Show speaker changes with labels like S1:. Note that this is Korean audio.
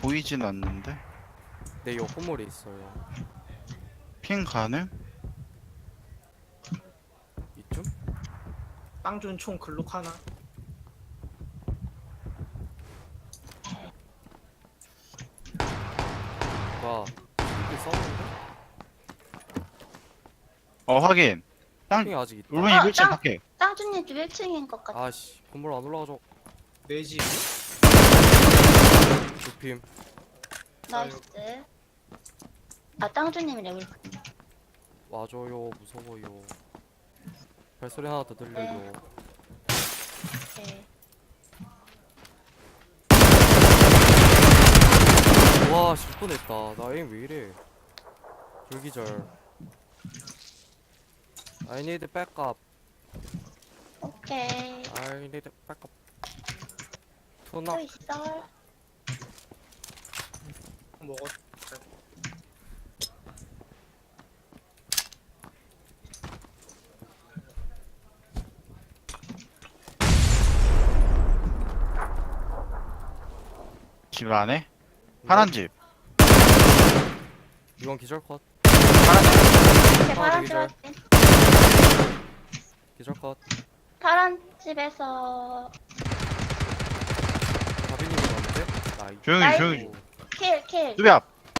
S1: 보이진 않는데.
S2: 내 옆 건물에 있어요.
S1: 핑 가능?
S2: 이쯤?
S3: 빵준 총 글록 하나.
S2: 뭐야? 이게 싸우는데?
S1: 확인. 땅
S2: 핑이 아직 있다.
S1: 울분이
S4: 아,
S1: 1층
S4: 땅!
S1: 밖에.
S4: 땅준님 집 1층인 것 같아.
S2: 아씨 건물 안 올라가죠.
S3: 내 집.
S2: 두핌.
S4: 나이스. 아, 땅준님이래, 우리.
S2: 와줘요. 무서워요. 발소리 하나 더 들려요.
S4: 네.
S2: 와, 실 뻔했다. 나 에임 왜 이래? 불기절. I need backup.
S4: 오케이.
S2: I need backup.
S4: 또
S2: 투나.
S4: 있어.
S3: 먹었.
S1: 집 안에? 파란 집.
S2: 이건 기절 컷.
S1: 파란 집.
S4: 이렇게
S2: 아,
S4: 파란 집
S2: 기절.
S4: 할게.
S2: 기절 컷.
S4: 파란 집에서
S2: 다비님이 왔는데? 나이.
S1: 조용히
S4: 나이스.
S1: 조용히.
S4: 킬.
S1: 수비 앞.